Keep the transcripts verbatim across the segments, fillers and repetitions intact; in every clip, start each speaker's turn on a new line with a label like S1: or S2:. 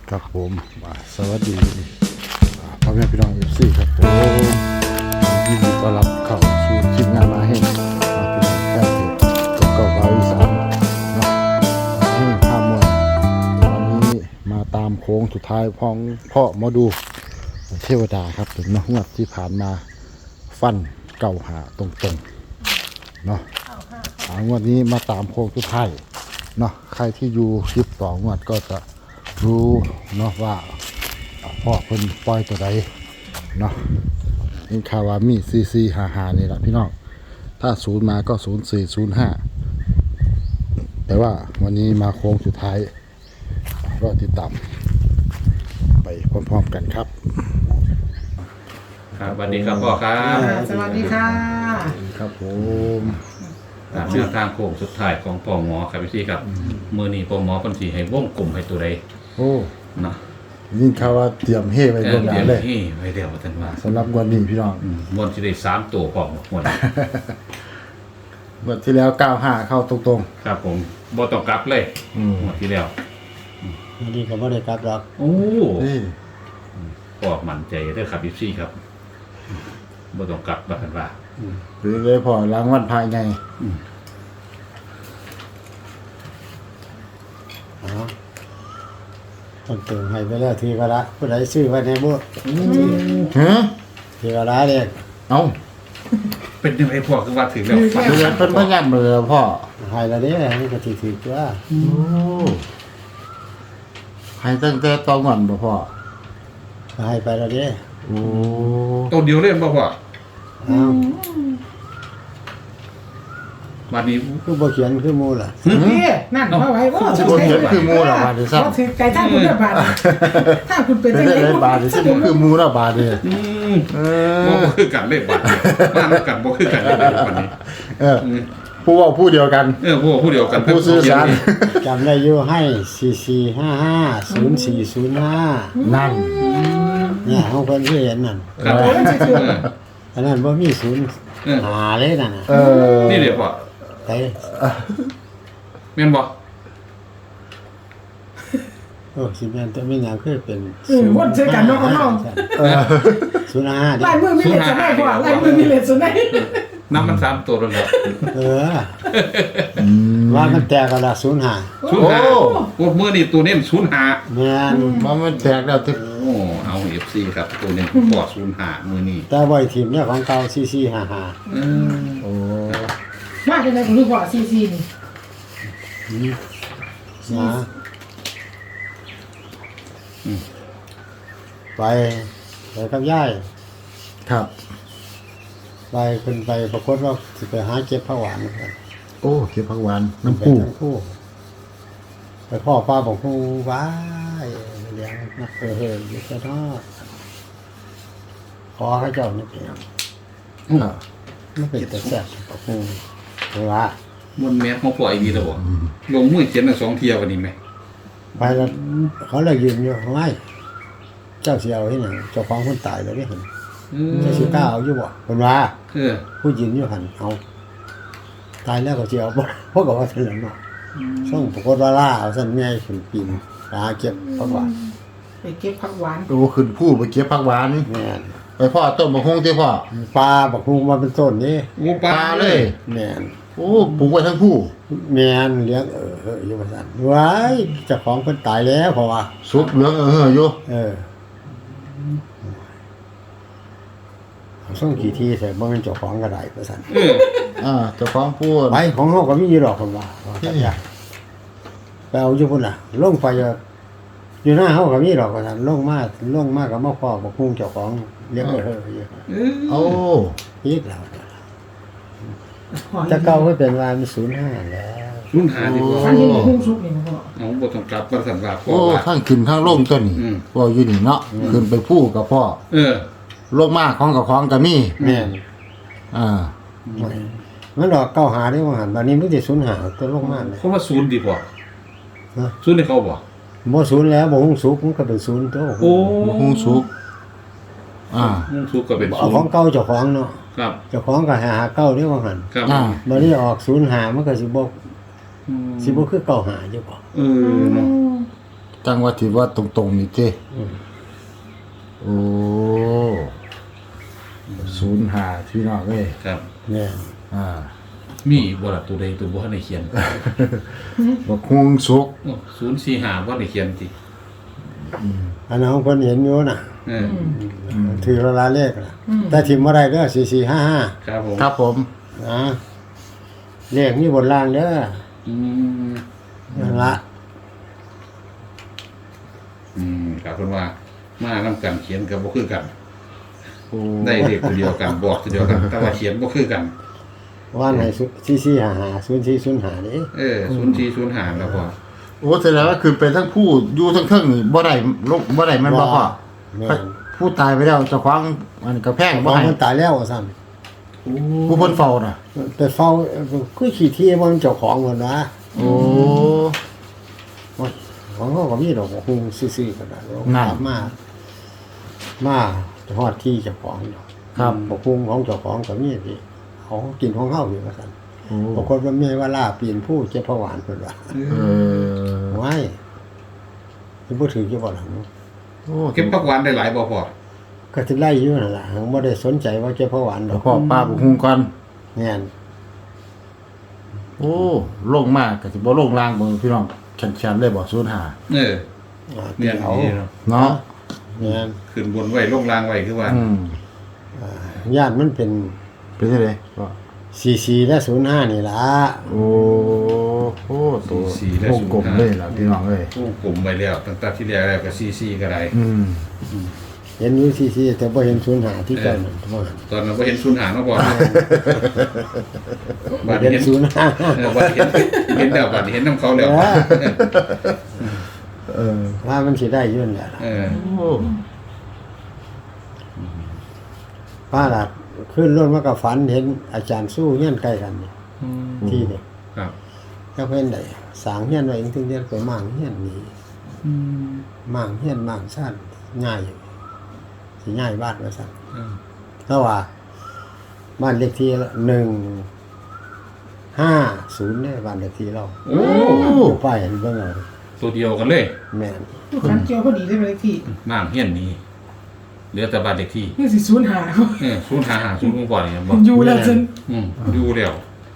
S1: ครับผมสวัสดีพ่อแม่พี่น้องเอฟซีครับผมยินดีต้อนรับเข้าสู่ทีมงานมาให้มาเป็นแฟนเพจกับเก่าบาวิสานเนาะนี่ภาพมวลวันนี้มาตามโค้งสุดท้ายพ้องพ่อมาดูเทวดาครับถึงมางวดที่ผ่านมาฟันเก่าหาตรงๆเนาะงวดนี้มาตามโค้งสุดท้ายเนาะใครที่อยู่คลิปต่องวดก็จะรู้เนาะว่าพ่อเพิ่นปล่อยตัวใดเนาะนี่คาวามีซีซีหาหานี่แหละพี่น้องถ้าศูนย์มาก็ศูนย์สี่ศูนย์ห้าแต่ว่าวันนี้มาโค้งสุดท้ายรอติดตามไปพร้อมๆกันครับ
S2: ครับสวัสดีครับพ่อครับ
S3: สวัสดีค่ะ
S1: ครับผม
S2: ตามแนวทางโค้งสุดท้ายของพ่อหมอครับพี่ครับมือนี้พ่อหมอคนสีให้วงกลมให้ตัวใด
S1: โอ้
S2: เนาะ
S1: ยิ่งข่าวว่าเตรียมเฮ่ไป
S2: เอ
S1: ล่ว
S2: อง
S1: ห
S2: เดี๋
S1: น้า
S2: ยว
S1: เลย
S2: นี่ไว้เดี๋ยวท่านว่า
S1: สำหรับวันนี้พี่น้อง
S2: อืมมวนที่ได้สามตัวพ่อหมด
S1: เมื่อที่แล้วเก้าห้าเข้าตรง
S2: ครับผมบ่ต้องกลับเลย
S1: ๆอืม
S2: หมดที่แล้ว
S3: วันนี้ก็ไม่ได้กลับหรอก
S2: โอ้
S1: นี่
S2: พ่อมั่นใจเด้อครับพี่ครับบ่ต้องกลับว่าท่านว่า
S1: หรือเลยพอล้างวันภายใน
S3: อ๋อต้องเติมให้ไปแล้วทีละผู้ใดซื้อไว้ในบุตร
S1: ฮะ
S3: ทีละเด็ก
S1: เอ้า
S2: เป็นยังไงพ่อคือว่าถึงแล้วฝัน
S1: เดือนเป็นพยานมือพ่อ
S3: ให้ละเด้นี่ก็ถือถือว่า
S1: โอ้ให้ตั้งแต่ตอนก่อนบ่พ่อ
S3: ให้ไปละเด้
S1: โอ้
S2: ตัวเดียวเล่นบ่พ่อ
S3: อ้าว
S2: วันนี้
S3: คือบ่เขียนคือมูล่ะ
S4: นี่นั่นเอาไว้ว่า
S1: สิบ่เห็นคือหมูละบาดนี่ซ้
S4: ว่าถือไก่ท่าคุณเลือกบาทถ้าคุณเป็น
S1: ำเป็น
S4: จัง
S1: ได้
S4: ไง
S1: บาดนี่สิบ่คือหมูละบาดนี่
S2: อืม
S1: เอ
S2: บ่
S1: อ
S2: คือกันเลยบัดนี้บ้านกันบ่คือกันเลยวันนี้
S1: เออผู้เว้าผู้เดียวกัน
S2: เออพวกผู้เดียวกัน
S1: ผู้สื่อสาร
S3: จำได้อยู่ให้สี่สี่ห้าห้าศูนย์สี่ศูนย์ห้า
S1: นั่น
S3: เนี่ยของเพิ่นคือเห็นนั่น
S2: ครับ
S4: โอ้ยจะถือ
S3: อันนั้นบ่มีศูนย์
S2: เออ
S3: หาเลยนั่นน่ะ
S1: เออ
S2: นี่เดี๋ยวพ่อ
S3: ไป
S2: แม่นบ่
S3: โอ้สิแม่นแต่ไม่หยังคือเป็น
S4: เออวนเจอกันน้องกับน้อง
S1: เออ
S3: ศูนย์ห้าดิ
S4: ลายมือมีเลสได้กว่าลายมือมีเลสได้
S2: น้ำมันสามตัวแล้วเนาะ
S3: เออว่ามันแตกกันละศูนย์ห้า
S2: ศูนย์ห้าพวกมือนี่ตัวเน้นศูนย์ห้า
S3: แม่น
S1: มันมันแตกแล้วที่
S2: โอ้เอา เอฟ ซี ครับตัวเน้นปอดศูนย์ห้ามือนี่
S3: แต่ไว้ทีมเนี่ยของเก่าสี่สี่ห้าห้า
S2: เออ
S1: โอ้
S4: มาจากไหนผมรู้ว่าซีซีนี่
S3: นะไปไปกับย่าย
S1: ครับ
S3: ไปขึ้นไปปรากฏว่าสิไปหาเก็บผักหวานกัน
S1: โอ้เก็บผักหวานน้ำ
S3: ไป
S1: ปู
S3: ทั้งคู่ไปพ่อป้าบอกคู่ว้ายเลี้ยงนักเออเฮยอยู่แค่นอกขอให้เจ้านี่เป็นหยัง
S1: ครับ
S3: ไม่เป็นแต่แซ่บบอกคู่เพราะว่า
S2: มันแมสของพ่อไอ้ดีแล้วบ่ลงมือเขียนทั้งสองเที่ยววันนี้ไหม
S3: ไปแล้วเขาเลยยืนอยู่ไม่เจ้าเสียวที่ไหนเจ้าของคนตายเลยไม่เห็น
S2: เอ
S3: เจ้าชื่อกล้าเอาอยู่บ่คนว่า
S2: อ
S3: ผู้ยืนอยู่หันเอาตายแล้วก็เสียวบ่เพราะกับว่าเถื่อนเนาะส่งปรากฏว่าล่าเอาสั่นง่ายขึ้นปีนหาเก็บปรากฏ
S4: ไปเก็บผักหวาน
S1: โอ้ขึ้นผู้ไปเก็บผักหวาน
S3: แม่น
S1: ไปพ่อต้นมะฮงที่พ่อ
S3: ปลาบักฮูมาเป็นต้นนี่
S2: โอ้ป
S1: ป
S2: ลา
S1: ลา
S2: เล
S1: เลย ย
S3: แม่น
S1: โอ้ปลูกไว้ทั้งผู้
S3: แม่นเลี้ยงเออเอออยู่ว่าซั่นว้ายเจ้าของเพิ่นตายแล้วเพราะว่า
S1: สุกเหลืองเอออยู่
S3: เออส่งกี่ทีใส่บ่แม่นเจ้าของก็ได้ว่าซั่น
S2: เออ
S1: อ่าเจ้าของพูด
S3: ไปของเฮาก็มีอยู่ดอกเพิ่นว่าว่าจักอย่างไปเอาอยู่พุ่นน่ะ ลงไปอยู่อยู่หน้าเฮาก็มีดอกว่าซั่นลงมาลงมาก็มาพ้อบักฮูเจ้าของเลี้ยงเออเอออยู่
S2: เออ
S1: โอ้
S3: อีกแล้วจะเก่าก็เป็นว่ามันศูนย์ห้าแล้ว
S2: ศูนย์ห้าดีกว่า
S4: อันนี้หุ้มซุปนี่นะพ่อ
S2: เอาบ่ต้องกลับว่าสั่นว่าพ่อ
S1: โอ้
S2: ว่า
S1: ทั้งขึ้นทั้งลงตัวนี้
S2: อืม
S1: พ่ออยู่นี่เนาะขึ้นไปผู้กับพ่อ
S2: เออ
S1: ลงมาของกับของก็มี
S3: แม่น
S1: อ่า
S3: มันดอกเก้าหาได้ว่าหันบัดนี้มันสิศูนย์หาตัวลงมาเลย
S2: เขาว่าศูนย์ดีกว่า
S3: ฮะ
S2: ศูนย์ให้เขาบ่
S3: บ่ศูนย์แล้วบ่ฮงสุกมันก็เป็นศูนย์ตัว
S2: โอ้
S1: มะฮงสุกอ่า
S2: มุ่งสุกก็เป็น
S3: เอา
S2: ศูน
S3: ของ
S2: ย์
S3: เก่าเจ้าของเนาะ
S2: ครับ
S3: เจ้าของก็หาเก้าได้ว่าหัน
S2: ครับ
S1: อ่า
S3: บัดนี้ออกศูนย์หามันก็สิบ่
S2: อืม
S3: สิบ่คือเก้าหาอยู่บ่
S2: เออเนาะ
S1: จังว่าที่ว่าตรงๆนี่เจ้โอ้ศูนย์ห้าพี่น้องเอ้ย
S2: ครับ
S3: เนี่ย
S1: อ่า
S2: มีบ่ล่ะตัวใดตัวบ่ทันได้เขียน
S1: บักฮวงสุก
S2: ศูนย์สี่ห้าบ่ได้เขียนติ
S3: อันนั้นของเพิ่นเห็นอยู่น่ะ
S2: เออ
S3: ถือละลาเลขน่ะแต่ทิมบ่ได้เด้อสี่สี่ห้าห้า
S2: ครับผม
S1: ครับผม
S3: นะเลขมีบนล่างเด้อ
S2: อืม
S3: นั่นละ
S2: อืมครับเพิ่นว่ามานํกันเขียนก็บ่คือกัน
S1: โอ้
S2: ได้เลขตัวเดียวกันบอกตัวเดียวกัน แต่ว่าเขียนบ่คือกัน
S3: ว่าไหนสี่สี่ห้าห้าศูนย์สี่ศูนย์ห้านี่
S2: เออศูนย์สี่ศูนย์ห้าแล้วพอ
S1: โอ้แสดงว่าคือเป็นทั้งผู้อยู่ทั้งเครื่องนี่บ่ได้ลงบ่ได้มันบ่พอ
S3: แม่น
S1: ผู้ตายไปแล้วเจ้าของมันก็แพง
S3: บ
S1: บ่
S3: อก
S1: ให้
S3: มันตายแล้วว่าซั่น
S1: ผู้เพิ่นเฝ้าน่ะ
S3: แต่เฝ้าคือขี้ที่มันเจ้าของเพิ่นว่า
S1: โอ้
S3: ของเขาก็มีดอกคงซื่อๆกันนะ
S1: นั่น
S3: มา มาฮอดที่เจ้าของดอก
S1: ครับ
S3: บอกคงของเจ้าของก็มีที่เขากินของเฮาอยู่ว่าซั่น
S1: โอ้
S3: บางคนว่าแม่ว่าลาปีนผู้เจ็บผวานเพิ่นว่า
S1: เออ
S3: ไว้สิบ่ถือจะบ่ล่ะ
S1: โอ้
S2: เก็บผักหวานได้หลายบ่พอ
S3: ก็สิไล่อยู่นั่นล่ะบ่ได้สนใจว่าเจ็บผวานด
S1: แล้
S3: อ
S1: ว
S3: ก
S1: พ่อป้าบุกฮุงก่อน
S3: แม่น
S1: โอ้ลงมากก็สิบ่ลงล่างบ่พี่น้องแข็งๆเลยบ่ศูนย์ห้า
S2: เออ
S3: อ่า
S2: เนี่ย
S3: เอา
S2: นี่เนาะ
S1: เนาะ
S3: แม่น
S2: ขึ้นบนไว้ลงล่างไว้คือว่า
S1: อืม
S3: อ่าญาติมันเป็น
S1: เป็นจังไดก็
S3: สี่สี่และศูนย์ห้านี่ล่ะ
S1: โอ้โหตัววงกลมเลยล่ะพี่น้องเอ้ย
S2: ผู้กลุ่มไว้แล้วตั้งแต่ที่แรกแล้วก็ซีซีก็ได้
S1: อืม
S3: เห็นอยู่สี่สี่แต่บ่เห็นศูนย์ห้าที่เก่านั่นว่า
S2: ตอนนั้นบ่เห็นศูนย์หาเนาะบ่
S3: บ่
S2: บัด
S3: เห็น
S2: เห็น
S3: ศูนย์ห้า
S2: เออบัดเห็นเห็นแล้วบัดเห็นนํเขาแล้ว
S1: เออ
S3: ว่ามันสิได้อยืนนแหละ
S2: เออ
S1: โอ้
S3: ป้าล่ะขึ้นรถมากับฝันเห็นอาจารย์สู้เงี้ยนใกล้กันนี่ที่นี่
S2: ครับ
S3: ก็เพิ่นได้สร้างเฮียนไว้ถึงเดือนไปมั่งเฮียนนี่มั่งเฮียนมั่งซ่านง่ายอยู่สิง่ายบ้านว่าซั่น
S2: เออ
S3: แล้วว่าบ้านเลขที่หนึ่งห้าศูนย์เนี่ยบ้านเลขที่เรา
S2: โอ้
S3: อยู่ป้ายเห็นเบิ่งเอา
S2: ตัวเดียวกันเลย
S3: แม่น
S4: ลูกค้าเกี่ยวพอดีได้ไปเลยที่
S2: น้ำเฮียนนี้เหลือแต่บ้านเด็กที่
S4: นี่สิศูนย์หา
S2: เออศูนย์หาหาศูนย์บ่นี่บ่
S4: อยู่แล้วจน
S2: อืมอยู่แล้ว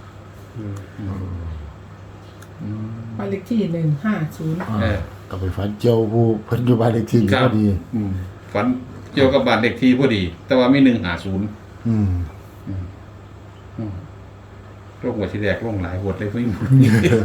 S4: ไปเลขที่หนึ่งห้าศูนย์
S2: เออ
S1: ก็ไปฝันเจียวผู้เพิ่นอยู่บ้านเลขที่นี่พอดี
S2: อืมฝันเกี่ยวกับบ้านเด็กที่พอดี แต่ว่ามีหนึ่งหาศูนย์
S1: อืม
S2: โรคหัวที่แดกลงหลายหวดเลยพี่หมด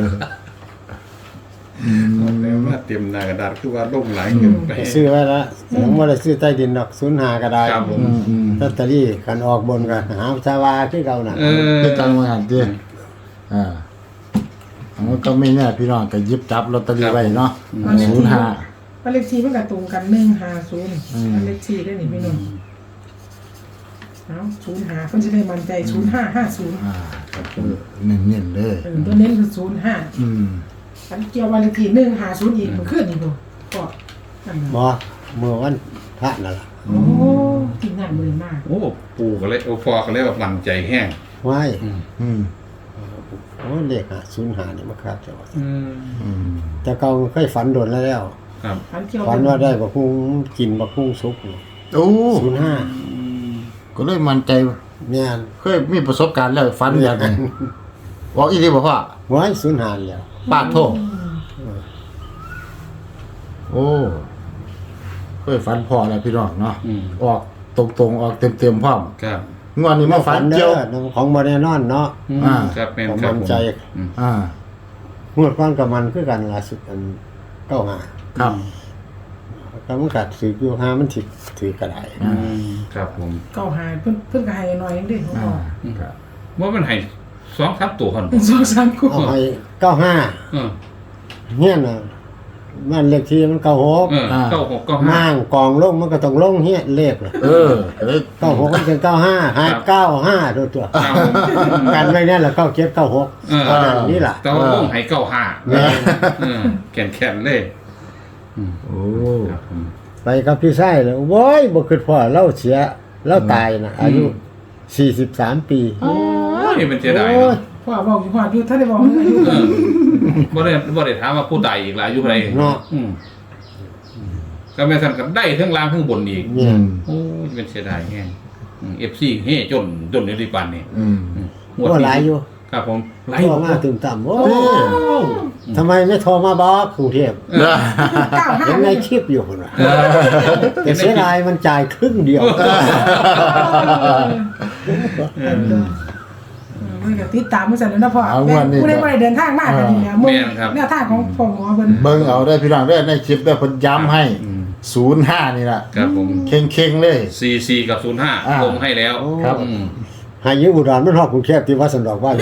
S2: แล้วว่าเตรียมหนากระดาษคือว่าลงหลายเกินไป
S3: ซื้อไว้แล้วผมบ่ได้ซื้อใต้ดินดอกศูนย์ห้าก็ได้
S2: ครับผม
S1: อืมอืม
S3: ลอตเตอรี่กันออกบนกันหาชาวาคือเก่าน่ะ
S2: เออ
S1: คือจังว่าหั่นติอ่ามันก็ไม่แน่พี่น้องก็หยิบจับลอตเตอรี่ไว้เนาะศูนย์ห้า
S4: ไปเลขที่มันก็ตรงกันหนึ่งห้าศูนย์
S1: อืม
S4: ไปเลขที่ได้หนิพี่หนุ่มเอาศูนย์หาเพิ่นจะได้มั่นใจศูนย์ห้าห้าศูนย์
S1: อ่าก็คือเน้นๆเลย
S4: เออตัวเน้นคือศูนย์ห้า
S1: อืม
S4: อันเกี่ยววันเลขที่หนึ่งห้าศูนย์อีกมันขึ้นอีกบ่ก็นั่นน่ะ
S3: บ่เมื่อวันพระนั่นล่ะ
S4: โอ้ที่งานมือมาก
S2: โอ้ปู่ก็เลยโอ้พ่อก็เลยว่ามั่นใจแห้ง
S3: ไว้
S1: อืม
S3: โอ้เลขหาศูนย์ห้านี่มาครับแต่ว่า
S2: อืม
S1: อืม
S3: แต่เก่าเคยฝันโดนแล้วแล้ว
S2: ครับ
S4: อันเกี่ยว
S3: ฝันว่าได้บักฮุงกินบักฮุงสุก
S1: โอ้
S3: ศูนย์ห้า
S1: ก็เลยมั่นใจ
S3: แม่น
S1: เคยมีประสบการณ์แล้วฝันอย่างนี้บอกอีหลีบ่พ่อ
S3: ไว้ศูนย์ห้าแล้ว
S1: ปาดโทษโอ้เคยฝันพอแล้วพี่น้องเนาะ
S2: อืม
S1: ออกตรงๆออกเต็มๆพร้อม
S2: ครับ
S1: งวดนี้มาฝันเจียว
S3: ด้อของบ่แน่นอนเนาะ
S1: อ่า
S2: ครับเป็น
S3: ผม
S2: ครับ
S3: มั่น
S2: ผม
S3: ใจ
S2: อืม
S1: อ่า
S3: งวดก่อนกับมันคือกันล่าสุดอันเก้าห้า
S1: ครับ
S3: ก็มันกัดถืออยู่ห้ามันสิถือกระได
S1: อ่า
S2: ครับผม
S4: เก้าหาเพิ่นเพิ่นก็ให้หน่อยนึงเด้ของ
S1: อ่า
S4: พ่อ
S1: ครับ
S2: ว่ามันให้สองทับตัวคน
S4: สองสามคู่
S3: เอาให้เก้าห้า
S2: เออ
S3: เฮียน่ะมันเลขที่มันเก้าหก
S2: เออเก้าหกเก้าห้า
S3: มั่งกองลงมันก็ต้องลงเฮียเลขน่ะ
S1: เออเอ้ย
S3: เก้าหกมันเป็นเก้าห้าหายเก้าห้าตัวตัว
S2: ครับผม
S3: กันไว้เนี่ยแหละเก้าเจ็ดเก้าหก
S2: เออ
S3: เท่านั้นนี่ล่ะ
S2: แต่ว่าลงให้เก้าห้า
S3: แม่
S2: เออแข็งแข็งเลย
S1: โอ้
S2: ครับผม
S3: ไปกับพี่ชายเลยโว้ยบ่คิดพ่อเราเสียเราตายนะอายุสี่สิบสามปี
S2: โอ้ยมันเสียดาย
S3: โอ้
S2: เนาะ
S3: ย
S4: พ่อบอกอยู่พ่ออยู่ถ้าได้บอกอายุ
S2: เออบ่ได้บ่ได้ถามว่าผู้ตายอีกหลายอายุเท่าไหร่
S3: เนาะ
S2: อืมก็แม่ท่านก็ได้ทั้งล่างทั้งบนอีก
S3: เนี่ย
S2: โอ้ยเป็นเสียดายแห้งเอฟซีเฮ่จนจนในริปันนี่
S1: อืม
S2: งวด
S3: ก็
S2: นี้
S3: หลายอยู่
S2: ครับผม
S3: โทรมาตื่นต่ำโอ้ทำไมไม่โทรมาบอกกรุงเทพ
S4: เก้าห้า
S3: ยังไงคลิปอยู่คนละแต่เสียดายมันจ่ายครึ่งเดียว
S4: มันก็ติดตามมันสั่นแล้วนะพ่อ
S1: เอาวันนี้
S4: ผู้ใดบ่ได้เดินทางมากกันนี่นะมึงแนวทางของพ่อหมอเพิ่น
S1: เบิ่งเอาได้พี่น้องได้ในคลิปได้เพิ่นย้ำให้ศูนย์ห้านี่ล่ะ
S2: ครับผม
S1: เข่งๆเลย
S2: ซีซีกับศูนย์ห้า
S1: อ่า
S2: ลงให้แล้ว
S1: ครับ
S2: อืม
S3: หายิงอุดรมันฮอดกรุงเทพที่วัดสันดอกว่าอย่าง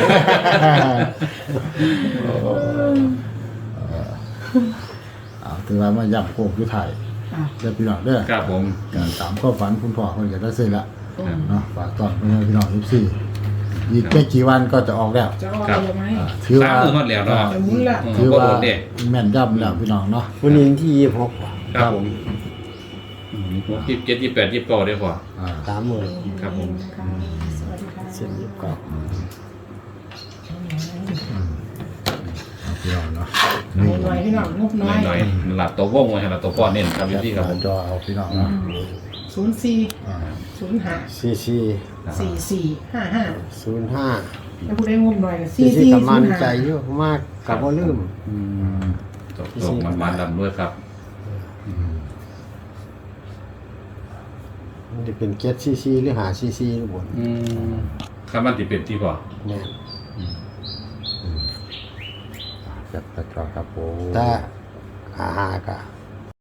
S1: เอาถือว่ามาย้ำโค้งคือไทย
S4: อ่ะ
S1: เด้อพี่น้องเด้อ
S2: ครับผม
S1: การตามความฝันคุณพ่อเพิ่นก็ได้เสร็จละ
S2: ครับ
S1: เนาะฝากตอนพี่น้อง เอฟ ซี อีกไม่กี่วันก็จะออกแล้ว
S4: จะเอาอะไรไหม
S1: อ่าถือ
S2: สาม
S1: ว่า
S2: มือฮอดแล้วเนาะ
S4: จะมุนละ
S2: อืม
S1: ถือ
S2: บ่
S1: ว่า
S2: โดนเด้
S1: แม่นย่ำแล้วพี่น้องเนาะ
S3: วันนี้ที่ยี่สิบหก
S2: ครับผมยี่สิบเจ็ดยี่สิบแปดยี่สิบเก้าได้พอ
S1: อ่า
S3: สามหมื่น
S2: ครับผม
S4: สวัสดีค่ะ
S3: เส้นยี่สิบเก้า
S1: เอาพี่น้องเนาะ
S4: หน่อยพี่น้องงบน้อย
S2: หน่อยๆหลับตัววงไว้ให้หลับตัวก้อนเน้นครับพี่ครับผม
S1: จอเอาพี่น้องเนาะ
S4: ศูนย์สี่
S1: อ่า
S4: ศูนย์ห้า
S3: ซีซี
S4: สี่สี่ห้าห้า
S3: ศูนย์ห้า
S4: แล้วผู้ใดงบหน่อย
S3: ซี
S4: สี่
S3: ซี
S4: สี่
S3: กับ
S4: ศู
S3: มัน
S4: นย์ห้า
S3: ใจเยอะมากกับว่าลืม
S1: อืม
S2: ตกตกมันมันดำด้วยครับ
S3: มันจะเป็นเกตซีซีหรือหาซีซีหรือบน
S2: อืมคำมันติเป็นที่พอ
S3: เนี่ย
S1: จับตะจอครับผม
S3: ถ้าหาหากะ